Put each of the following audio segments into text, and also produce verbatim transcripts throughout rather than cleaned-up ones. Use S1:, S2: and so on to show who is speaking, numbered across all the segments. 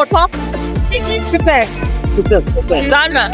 S1: Ortam? Süper.
S2: Süper süper.
S1: Güzel mi?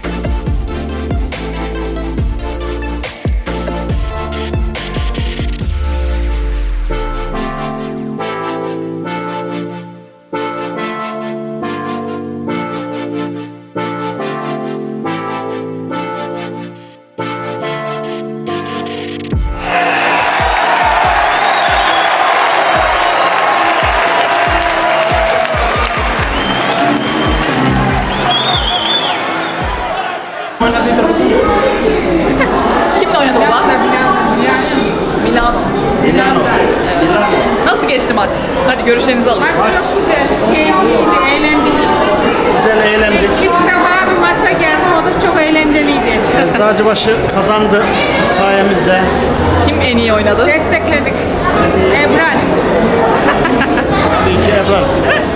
S1: Kimle oynadı baba? Milano.
S2: Milano.
S1: Evet. Nasıl geçti maç? Hadi görüşlerinizi alın.
S3: Maç çok güzel, keyifliydi, eğlendik.
S2: Güzel eğlendik.
S3: İlk, ilk defa bir maça geldim, o da çok eğlenceliydi.
S2: Eczacıbaşı kazandı sayemizde.
S1: Kim en iyi oynadı?
S3: Destekledik. Ebral.
S2: Tabii ki Ebrar.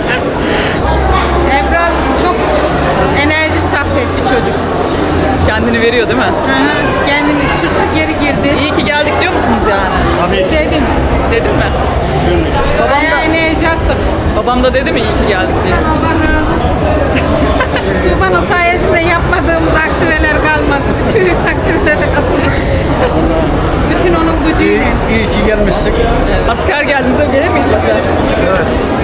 S3: Ebral çok enerji sarf etti çocuk.
S1: Kendini veriyor değil mi?
S3: Hı hı, kendini çıktı, geri girdi.
S1: İyi ki geldik diyor musunuz yani?
S2: Tabii.
S3: Dedim.
S1: Dedin mi? Babam
S3: Bayağı
S1: da,
S3: enerji attık.
S1: babam da dedi mi iyi ki geldik diye?
S3: Allah razı olsun. Tuğba'nın sayesinde yapmadığımız aktiveler kalmadı. Bütün aktivelere katıldık. Bütün onun
S2: İyi,
S3: gücüyle.
S2: iyi ki gelmişsin.
S1: Evet. Artık her geldiğimizde gelir miyiz maça?
S2: Evet.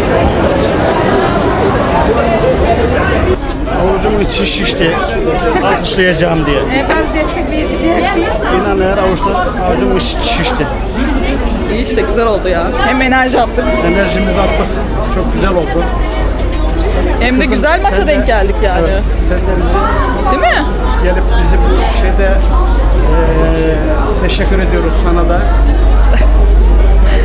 S2: Avucumun içi şişti. Alkışlayacağım diye.
S3: Ebral destekleyecekti.
S2: İnan eğer avuçta avucumun içi şişti.
S1: İyi işte güzel oldu ya. Hem enerji attık
S2: Enerjimizi attık. Çok güzel oldu.
S1: hem de
S2: Kızım,
S1: güzel maça
S2: sen de-
S1: denk geldik yani.
S2: Evet, sen de bizi
S1: Değil mi?
S2: gelip bizi bu şeyde eee teşekkür ediyoruz sana da.